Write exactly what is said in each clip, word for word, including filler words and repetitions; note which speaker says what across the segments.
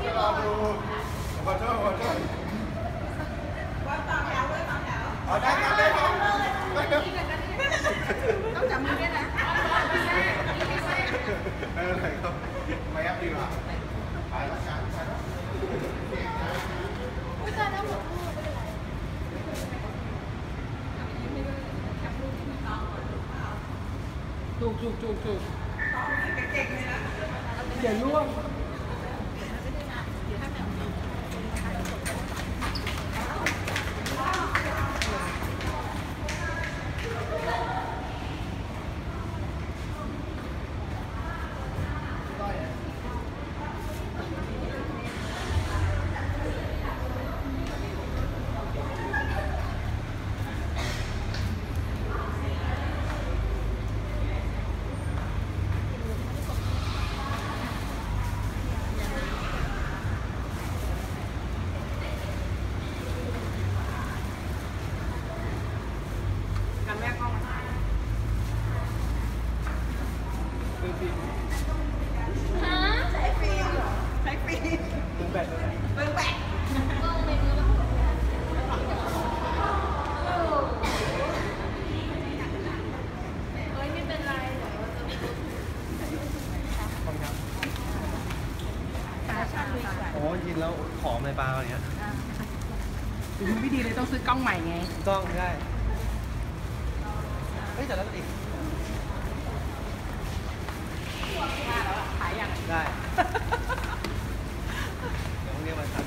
Speaker 1: รอดูขอโทษขอโทษว่าต่อแถวเลยต่อแถวอ๋อได้ครับได้ครับต้องจับมือด้วยนะเออเลยครับไม่ยับดีกว่าไปละกันไปละไม่ใช่แล้วหมดลูกไม่เป็นไร
Speaker 2: จุกจุกจุกจุกอย่าล่วง
Speaker 3: โอ้ยินแล้วผอมเลยปลาอย่างเงี้ย
Speaker 2: ดูไม่ดีเลยต้องซื้อกล้องใหม่ไง
Speaker 3: กล้องได้เฮ้ยแต่แล้วอีก
Speaker 2: ขายอย่าง
Speaker 3: ได้เดี๋ยวพรุ่งนี้มาสั่ง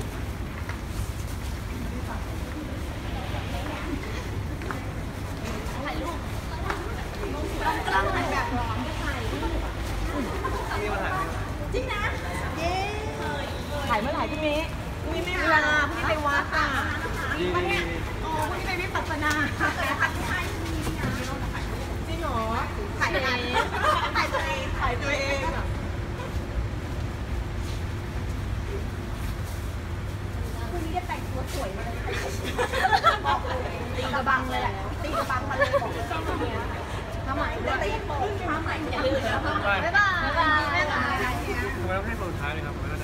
Speaker 1: ถ่ายรูปกล้องถ่ายแบบร้อนถ่ายรูป
Speaker 3: นี่มาถ่าย
Speaker 1: จริงนะเย้
Speaker 2: ถ่ายเมื่อไหร่พี่เมย์
Speaker 1: มีไม่เวลาพี่ไปวัดอ่ะ
Speaker 3: ดีดีดี
Speaker 1: อ๋อพี่ไปวิปัสสนาถ่ายที่ไทยจริงเหรอถ่ายเองถ่ายตัวเองถ่ายตัวเองอ่ะคุณนี่ได้แต่งตัวสวยมาเลยบอกเลยตีกระบังเลยแหละตีกระบังมาเลยบอกเลยต้องเนี้ยทำไมจะตีโป่งทำไมอย่าลืมนะบ๊ายบายบ๊ายบาย
Speaker 3: ทำไมต้องให้โปรดท้ายเลยครับ